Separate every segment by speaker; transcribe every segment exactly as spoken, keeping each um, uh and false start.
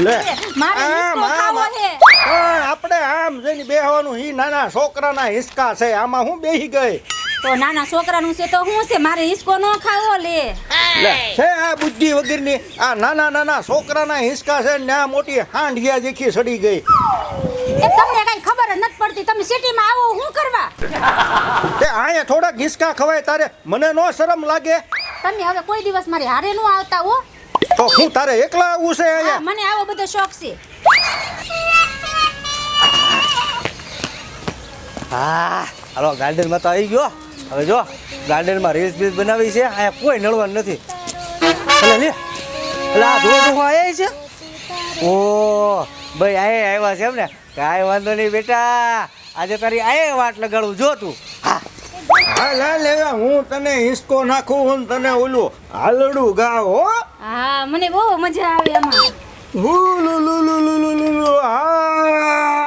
Speaker 1: લે
Speaker 2: મારે હિસકો ખાવો છે.
Speaker 1: પણ આપણે આમ જઈને બેહવાનું ઈ નાના છોકરાના હિસકા છે, આમાં હું બેહી ગઈ.
Speaker 2: તો નાના છોકરાનું છે તો હું છે, મારે હિસકો ન ખાવો લે.
Speaker 1: લે છે આ બુદ્ધિ વગરની આ નાના નાના છોકરાના હિસકા છે ને આ મોટી હાંડિયા જેખી સડી ગઈ.
Speaker 2: એ તમને કઈ ખબર જ નથી પડતી, તમે સિટીમાં આવો હું કરવા?
Speaker 1: તે આયા થોડાક હિસકા ખવાય તારે, મને નો શરમ લાગે?
Speaker 2: તમે હવે કોઈ દિવસ મારી હારે નો આવતા હો.
Speaker 1: તો હું તારે એકલા આવું છે
Speaker 2: હા,
Speaker 1: અહીંયા?
Speaker 2: મને આવો બધો શોખ છે.
Speaker 3: હા હાલો ગાર્ડનમાં તો આવી ગયો. હવે જો ગાર્ડનમાં રીલ્સ બીલ્સ બનાવી છે, અહીંયા કોઈ નડવાનું નથી. એટલે લે એટલે આ ધોધ હું આવ્યા છે. ઓ ભાઈ આયે આવ્યા છે એમ ને? કાંઈ વાંધો નહીં બેટા, આજે તારી આયે વાટ લગાડું જો તું. હા
Speaker 1: હા લે લે હું તને હિસકો નાખું હું તને ઓલું હાલડું ગાવ હો.
Speaker 2: હા, મને બહુ મજા આવે આમાં.
Speaker 1: ઉલુ લુ લુ લુ લુ લુ લુ હા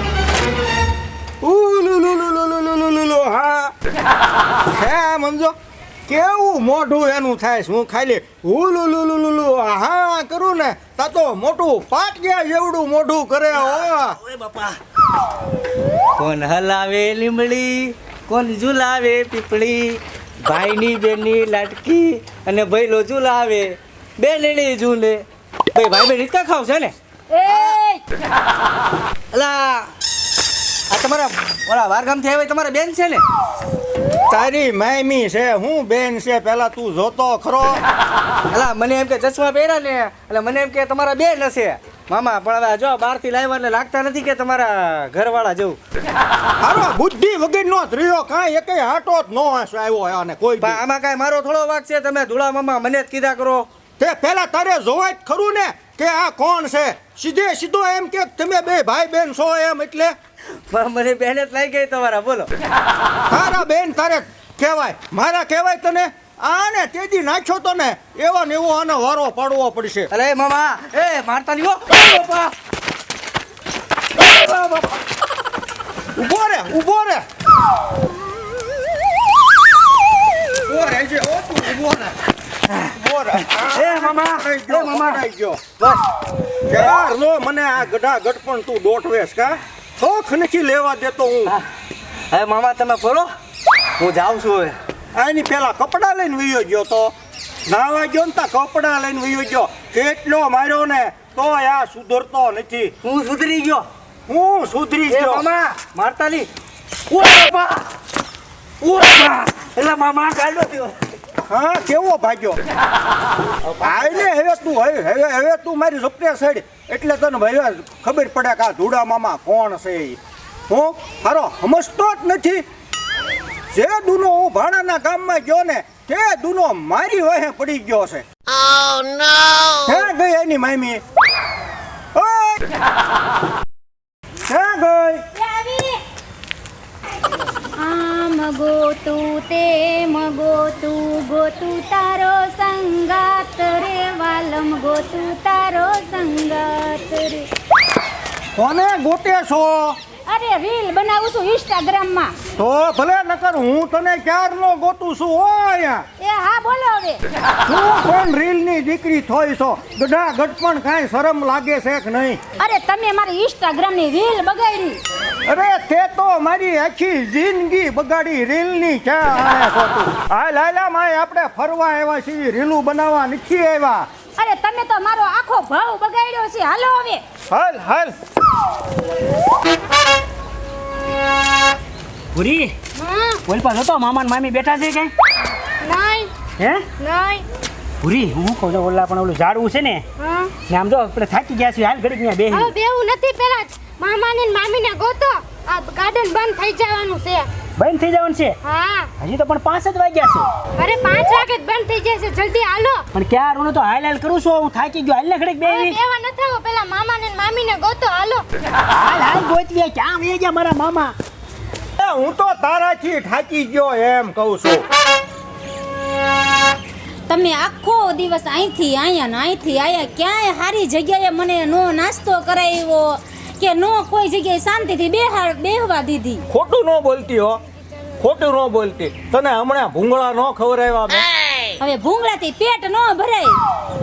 Speaker 1: ઉલુ લુ લુ લુ લુ લુ લુ લુ હા. હે મંજો કેવું મોઢું એનું થાય છે, હું ખાલી ઉલુ લુ લુ લુ લુ હા કરું ને તા તો મોટું પાટિયા જેવડું મોઢું કરે હો.
Speaker 3: ઓય બાપા, કોણ હલાવે લીમડી, કોણ ઝુલાવે પીપળી, ભાઈની બેનની લાટકી અને ભઈલો ઝુલાવે, બેનડી ઝૂલે. ભાઈ ભાઈ બેન રીતકા ખાવ છે ને?
Speaker 2: એ
Speaker 3: અલા આ તમારા ઓલા વારગામથી આવ્યા તમારા બેન છે ને?
Speaker 1: તારી માયમી છે હું બેન છે પેલા તું જોતો ખરો.
Speaker 3: અલા મને એમ કે ચશ્મા પહેર્યા ને એટલે મને એમ કે તમારા બેન હશે મામા, પણ હવે જો બહારથી લાવ્યા એટલે લાગતા નથી કે તમારા ઘરવાળા જેવું.
Speaker 1: હારો બુદ્ધિ વગરનો જ રહ્યો, કાંઈ એકેય હાટો જ નો આવ્યો અને કોઈ દી.
Speaker 3: પણ આમાં કાંઈ મારો થોડો વાક છે? તમે ધૂળા મામા મને જ કીધા કરો.
Speaker 1: તે પેલા તારે જોવાય જ ખરું ને કે આ કોણ છે. સીધે સીધો એમ કે તમે બે ભાઈ બેન છો એમ, એટલે
Speaker 3: પણ મને બેન જ લાગી ગઈ તમારા. બોલો
Speaker 1: તારા બેન તારે કહેવાય, મારા કહેવાય તને? આને તેજી નાખ્યો તો ને એવો ને એવો આનો વારો પાડવો પડશે.
Speaker 3: અરે મામા એ મારતા નહીં હો. બાપા
Speaker 1: ઉભો રે ઉભો રે ઉભો રે છે ઓ તું ઉભો રે ઉભો રે.
Speaker 3: એ મામા
Speaker 1: એ
Speaker 3: એ મામા
Speaker 1: પકડાઈ ગયો.
Speaker 3: બસ
Speaker 1: યાર નો મને આ ગઢા ગઢપણ તું દોટવેશ કા શોખ નથી લેવા દેતો હું.
Speaker 3: હવે મામા તમે બોલો, હું જાઉં છું હવે.
Speaker 1: આની પેલા કપડા લઈને વયો ગયો તો નાવા ગયો ને તા કપડા લઈને વયો ગયો. કેટલો માર્યો ને તો આ સુધરતો નથી.
Speaker 3: હું સુધરી ગયો.
Speaker 1: હું સુધરી
Speaker 3: એ
Speaker 1: ગયો.
Speaker 3: મામા મારતા નહીં. ઓય બાપા ઓય એટલે મામા કાઢો થયો.
Speaker 1: હા કેવો ભાગ્યો. આઈને હવે તું હવે હવે હવે તું મારી સપને સડી એટલે તને ભાઈ ખબર પડે કે આ ધૂડા મામા કોણ છે ઈ. હું હારો સમજતો જ નથી. જે દુનો હું ભાણાના ગામમાં ગયો ને તે દુનો મારી વાહે પડી ગયો છે.
Speaker 4: Oh no!
Speaker 1: ક્યાં ગઈ એની મામી? ઓય ક્યાં ગઈ?
Speaker 2: આમ ગોતું તેમ ગોતું ગોતું તારો સંગાત રે વાલમ ગોતું તારો સંગાત રે.
Speaker 1: કોને ગોતે છો?
Speaker 2: અરે રીલ બનાવું છું ઇન્સ્ટાગ્રામમાં.
Speaker 1: તો ભલે નકર હું તને ક્યારનો ગોતું છું હો અહીંયા.
Speaker 2: એ હા બોલો હવે.
Speaker 1: તું કોણ રીલની દીકરી થોઈ છો? ગઢા ગઢપણ કાંઈ શરમ લાગે છે કે નહીં?
Speaker 2: અરે તમે મારી ઇન્સ્ટાગ્રામની રીલ બગાડી.
Speaker 1: અરે તે તો મારી આખી જિંદગી બગાડી રીલની ક્યાં આણે છો તું? હાલ હાલા માય આપણે ફરવા આવ્યા છીએ, રીલું બનાવવા નથી આવ્યા.
Speaker 2: અરે તમે તો મારો આખો ભાવ બગાડ્યો છે. હાલો હવે.
Speaker 1: હાલ હાલ.
Speaker 3: પૂરી
Speaker 2: હા
Speaker 3: ઓલ પાસે હતો મામા ને મામી બેઠા છે કઈ?
Speaker 2: નહીં
Speaker 3: હે
Speaker 2: નહીં.
Speaker 3: પૂરી હું કહું છું ઓલા પણ ઓલું ઝાડવું છે ને
Speaker 2: હા
Speaker 3: ને આમ જો આપણે થાકી ગયા છીએ, હાલ ઘડીક ત્યાં બેહી.
Speaker 5: હવે બેવું નથી, પેલા મામાને ને મામીને ગોતો. આ ગાર્ડન બંધ થઈ જવાનું છે.
Speaker 3: બંધ થઈ જવાનું છે?
Speaker 5: હા
Speaker 3: હજી તો પણ પાંચ જ વાગ્યા છે.
Speaker 5: અરે પાંચ વાગે જ બંધ થઈ જશે, જલ્દી હાલો.
Speaker 3: પણ ક્યાં હું તો હાલ હાલ કરું છું, હું થાકી ગયો. હાલ ને ઘડીક
Speaker 5: હવે
Speaker 3: બેહી.
Speaker 5: બેવા નથી આવો, પેલા મામાને ને મામીને ગોતો હાલો.
Speaker 3: હાલ હાલ ગોતવી ક્યાં વહી ગયા મારા મામા?
Speaker 1: એ હું તો તારાથી થાકી ગયો એમ કહું છું.
Speaker 2: તમે આખો દિવસ અહીંથી આયા ને અહીંથી આયા, ક્યાંય સારી જગ્યાએ મને નો નાસ્તો કરાવ્યો કે નો કોઈ જગ્યાએ શાંતિથી બેહાર બેહવા દીધી.
Speaker 1: ખોટું ન બોલતી હો, ખોટું ન બોલતી. તને હમણાં ભૂંગળા ન ખવડાવ્યા મેં.
Speaker 2: હવે ભૂંગળાથી પેટ ન ભરાય.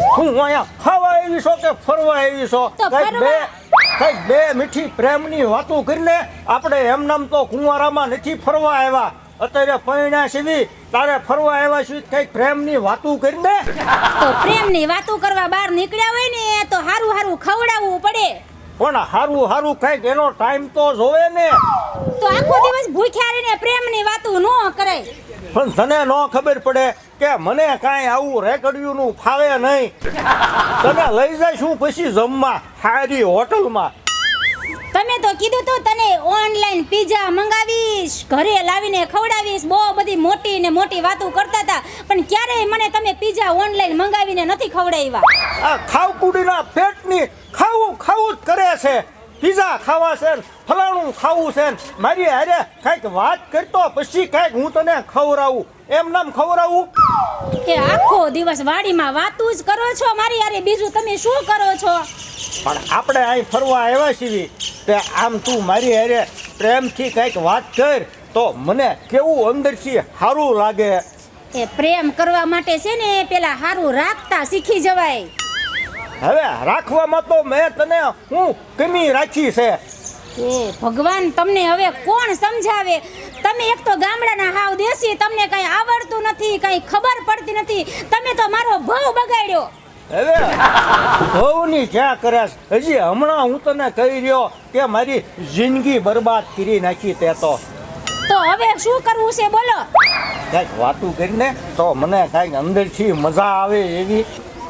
Speaker 1: હું અહીંયા ખાવા આવી છો કે ફરવા આવી છો
Speaker 2: તો
Speaker 1: કઈક બે
Speaker 2: ફરવા.
Speaker 1: કઈક બે મીઠી પ્રેમની વાતો કરીને આપણે એમનામ તો કુંવારામાં નથી ફરવા આવ્યા અત્યારે પૈણા સીવી તારે ફરવા આવ્યા છીએ કઈક પ્રેમની વાતો કરીને
Speaker 2: તો પ્રેમની વાતો કરવા બહાર નીકળ્યા હોય ને તો હારું હારું ખવડાવવું પડે.
Speaker 1: પણ હારું હારું કઈક એનો ટાઈમ તો જોવે ને
Speaker 2: તો આખો દિવસ ભૂખ્યા રહીને પ્રેમની વાતો ન કરાય.
Speaker 1: પણ તને ન ખબર પડે કે મને કાંઈ આવું રેકડિયુંનું ફાવે નહીં તને લઈ જાય શું પછી જમવા સારી હોટલમાં
Speaker 2: તમે તો કીધું તું તને ઓનલાઈન પીઝા મંગાવીશ ઘરે લાવીને ખવડાવીશ બહુ બધી મોટી ને મોટી વાતો કરતા હતા પણ ક્યારેય મને તમે પીઝા ઓનલાઈન મંગાવીને નથી ખવડાવ્યા.
Speaker 1: આ ખાવકુડીના પેટની ખાવું ખાવું જ કરે છે પીઝા ખાવા છે ને ફલાણું ખાવું છે ને મારી હારે કાંઈક વાત કરતો પછી કાંઈક હું તને ખવડાવું એમ નામ ખવડાવું
Speaker 2: કે આખો દિવસ વાડીમાં વાતું જ કરો છો મારી યારે બીજું તમે શું કરો છો?
Speaker 1: પણ આપણે અહીં ફરવા આવ્યા છીએ તે આમ તું મારી હારે પ્રેમથી કાંઈક વાત કર તો મને કેવું અંદરથી સારું લાગે.
Speaker 2: એ પ્રેમ કરવા માટે છે ને પેલા હારું રાખતા શીખી જવાય.
Speaker 1: હવે રાખવામાં તો મેં તને હું કમી રાખી છે
Speaker 2: એ ભગવાન તમને હવે કોણ સમજાવે? તમે એક તો ગામડાના હાવ દેશી તમને કઈ આવડતું નથી કઈ ખબર પડતી નથી તમે તો મારો ભાવ બગાડ્યો.
Speaker 1: હવે બહુની ક્યાં કરે છે? હજી હમણાં હું તને કહી રહ્યો કે મારી જિંદગી બરબાદ કરી નાખી તે તો
Speaker 2: તો હવે શું કરવું છે બોલો?
Speaker 1: કાંઈક વાતું કરીને તો મને કાંઈક અંદરથી મજા આવે એવી.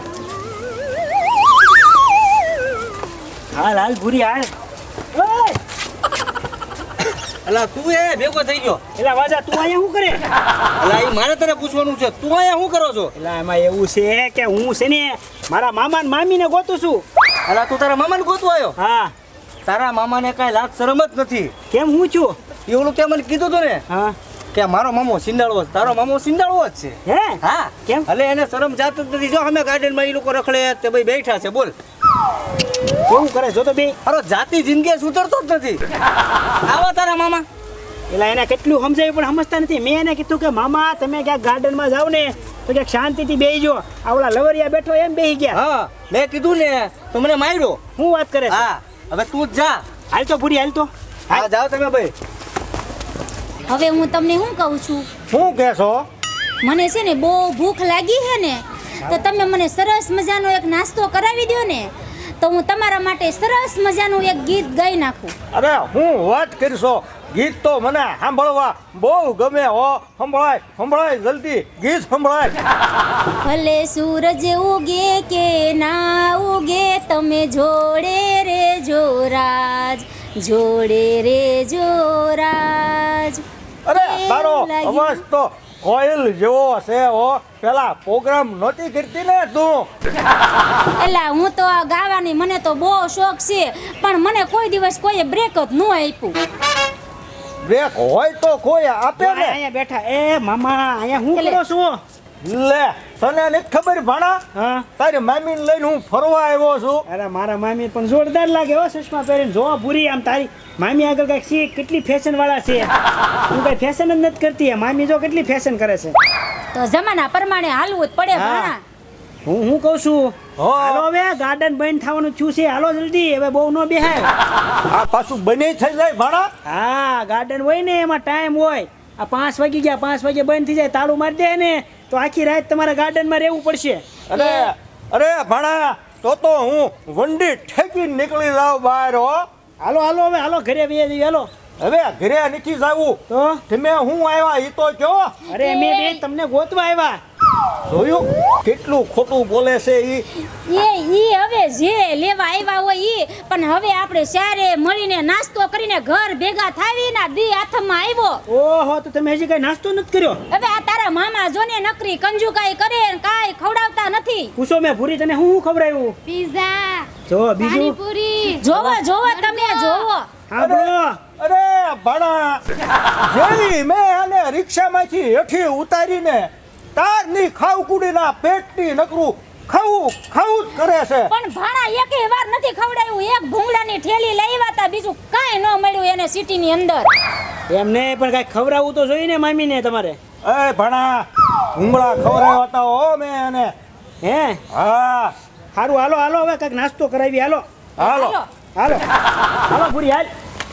Speaker 3: હાલ હાલ ભૂરી હાલ. ઓય! અલા તું એ ભેગો થઈ ગયો.
Speaker 4: એલા વાજા તું અહીંયા શું કરે?
Speaker 3: અલા એ મારે તને પૂછવાનું છે તું અહીંયા શું કરો છો?
Speaker 4: એલા એમાં એવું છે કે હું છે ને મારા મામા ને મામીને ગોતું છું.
Speaker 3: અલા તું તારા મામાને ગોતવા આવ્યો?
Speaker 4: હા.
Speaker 3: તારા મામાને કાંઈ લાજ શરમ જ નથી.
Speaker 4: કેમ હું છું?
Speaker 3: એવું તે મને કીધું તું ને
Speaker 4: હા.
Speaker 3: કે મારો મામો સિંડાળવો છે તારો મામો સિંડાળવો જ છે.
Speaker 4: હે?
Speaker 3: હા
Speaker 4: કેમ?
Speaker 3: એટલે એને શરમ જાત જ નથી. જો અમે ગાર્ડનમાં એ લોકો રખડે તે ભાઈ બેઠા છે બોલ.
Speaker 4: કેવું કરે જો તો બે.
Speaker 3: અરે જાતિ જિંદગી સુધરતો જ નથી. આવા તારા મામા.
Speaker 4: એલા એને કેટલું સમજાવ્યું પણ સમજતા નથી. મેં એને કીધું કે મામા તમે ક્યાંક ગાર્ડનમાં જાઓ ને તો ક્યાંક શાંતિથી બેસી જો. આવલા લવરિયા બેઠો એમ બેસી ગયા.
Speaker 3: હા મેં કીધું ને તો મને માર્યો.
Speaker 4: હું વાત કરે છે?
Speaker 3: હા હવે તું જ જા.
Speaker 4: હાલ તો પૂરી હાલ તો.
Speaker 3: હા જાઓ તમે ભાઈ.
Speaker 2: હવે હું તમને શું કહું છું
Speaker 1: શું કહેશો?
Speaker 2: મને છે ને બહુ ભૂખ લાગી છે ને તો તમે મને સરસ મજાનો એક નાસ્તો કરાવી દો ને તો હું તમારા માટે સરસ મજાનું એક ગીત ગાઈ નાખું.
Speaker 1: અરે હું વાત કરશો ગીત તો મને સાંભળવા બહુ ગમે હો. સંભળાય સંભળાય જલ્દી ગીત સંભળાય.
Speaker 2: ભલે સૂરજ ઉગે કે ના ઉગે તમે જોડે રે જોરાજ જોડે રે જોરાજ.
Speaker 1: અરે તારો
Speaker 2: એવું લાગ્યું.
Speaker 1: અવાજ તો કોયલ જેવો છે હો. પેલા પ્રોગ્રામ નહોતી કરતી ને તું?
Speaker 2: એલા હું તો આ ગાવાની મને તો બહુ શોખ છે પણ મને કોઈ દિવસ કોઈએ બ્રેક જ ન આપ્યું.
Speaker 1: બ્રેક હોય તો કોઈ આપે
Speaker 4: જો
Speaker 1: ને.
Speaker 4: અહીંયા બેઠા. એ મામા અહીંયા શું
Speaker 2: એટલે-
Speaker 4: કરો છો?
Speaker 1: લે તને નથી ખબર ભાણા?
Speaker 4: હા.
Speaker 1: તારી મામીને લઈને હું ફરવા આવ્યો છું.
Speaker 4: અરે મારા મામી પણ જોરદાર લાગે હો ચશ્મા પહેરીને. જો ભૂરી આમ તારી મામી આગળ કઈક શીખ કેટલી ફેશન વાળા છે. તું કઈ ફેશન જ નથી કરતી. મામી જો કેટલી ફેશન કરે છે.
Speaker 2: તો જમાના પ્રમાણે હાલવું જ પડે
Speaker 4: હા.
Speaker 2: ભાણા.
Speaker 4: હું હું કહું છું
Speaker 1: હા.
Speaker 4: હાલો હવે ગાર્ડન બંધ થવાનું થયું છે. હાલો જલ્દી હવે બહુ ન બેહાય.
Speaker 1: આ પાછું બની થઈ જાય ભાણા.
Speaker 4: હા ગાર્ડન હોય ને એમાં ટાઈમ હોય. આ પાંચ વાગી ગયા પાંચ વાગે બંધ થઈ જાય તાળું મારી દે ને તો આખી રાત તમારા ગાર્ડનમાં રહેવું પડશે.
Speaker 1: અરે અરે ભાણા તો તો હું વંડી ઠેકીને નીકળી જાઉં બહાર હો.
Speaker 4: હાલો હાલો હવે હાલો ઘરે બે જઈએ હાલો.
Speaker 1: હવે ઘરે નથી જાવું.
Speaker 4: તો
Speaker 1: તમે હું આવ્યા એ તો કયો.
Speaker 4: અરે મેં બે તમને ગોતવા આવ્યા.
Speaker 1: જોયું કેટલું ખોટું બોલે છે ઈ.
Speaker 2: એ ઈ હવે જે લેવા આવ્યા હોય ઈ પણ હવે આપણે સારે મળીને નાસ્તો કરીને ઘર ભેગા થાવી ના દી હાથમાં આવ્યો.
Speaker 4: ઓહો તો તમે હજી કઈ નાસ્તો નથી કર્યો?
Speaker 2: હવે આ તારા મામા જોને નકરી કંજુકાઈ કરે ને કાઈ ખવડાવતા નથી.
Speaker 4: પૂછો મેં ભૂરી તને હું શું ખવડાવ્યું?
Speaker 5: પિઝા
Speaker 4: જો બીજું
Speaker 5: પાણીપુરી
Speaker 2: જોવો જોવો તમે જોવો.
Speaker 4: હા બ્રો
Speaker 1: અરે ભાણા જેવી મેં આને રિક્ષામાંથી હેઠી ઉતારીને તારની ખાવકુડીના પેટની નકરું ખાવું ખાવું જ કરે છે.
Speaker 2: પણ ભાણા એકેય વાર નથી ખવડાવ્યું. એક ભૂંગળાની ઠેલી લાવ્યા તા બીજું કાઈ ન મળ્યું એને સિટીની અંદર.
Speaker 4: એમને પણ કઈ ખવડાવવું તો જોઈએ ને મામીને તમારે.
Speaker 1: એ ભાણા ભૂંગળા ખવડાવ્યા હતા હો મેં એને.
Speaker 4: હે
Speaker 1: હા
Speaker 4: સારું હાલો હાલો હવે કાંઈક નાસ્તો કરાવી હાલો
Speaker 1: હાલો
Speaker 4: હાલો હાલો પૂરી હાલ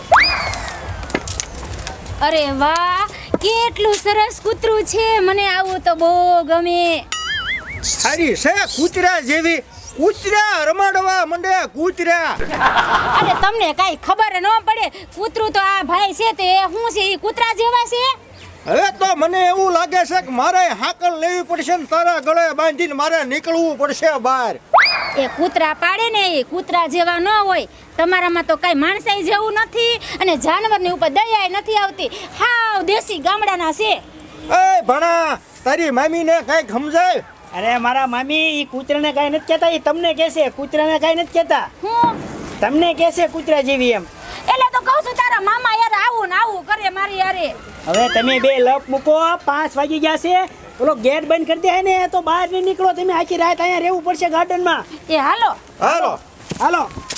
Speaker 2: અરે વાહ કેટલું સરસ કૂતરું છે મને આવું તો બહુ ગમે
Speaker 1: સારી છે કૂતરા જેવી કૂતરા રમાડવા મંડે કૂતરા
Speaker 2: અરે તમને કાંઈ ખબર ન પડે કૂતરું તો આ ભાઈ છે તે શું છે એ કૂતરા જેવા છે
Speaker 1: હવે તો મને એવું લાગે છે કે મારે હાકલ લેવી પડશે ને તારા ગળે બાંધીને મારે નીકળવું પડશે બહાર
Speaker 2: એ કૂતરા પાડે ને એ કૂતરા જેવા ન હોય તમારામાં તો કાંઈ માણસાઈ જેવું નથી અને જાનવરની ઉપર દયાય નથી આવતી હાવ દેશી ગામડાના છે
Speaker 1: એ ભણા તારી મામીને કાંઈક સમજાય
Speaker 4: અરે મારા મામી એ કૂતરાને કાંઈ નથી કહેતા એ તમને કહેશે કૂતરાને કાંઈ નથી કહેતા
Speaker 2: હું
Speaker 4: તમને કહેશે કૂતરા જેવી એમ
Speaker 2: એટલે તો કહું છું તારા મામા યાર આવું ને આવું કરે મારી યારે
Speaker 4: હવે તમે બે લપ મૂકો પાંચ વાગી ગયા છે ઓલો ગેટ બંધ કરી દે ને તો બહાર નહીં નીકળો તમે આખી રાત અહીંયા રહેવું પડશે ગાર્ડનમાં
Speaker 2: એ હાલો
Speaker 1: હાલો
Speaker 4: હાલો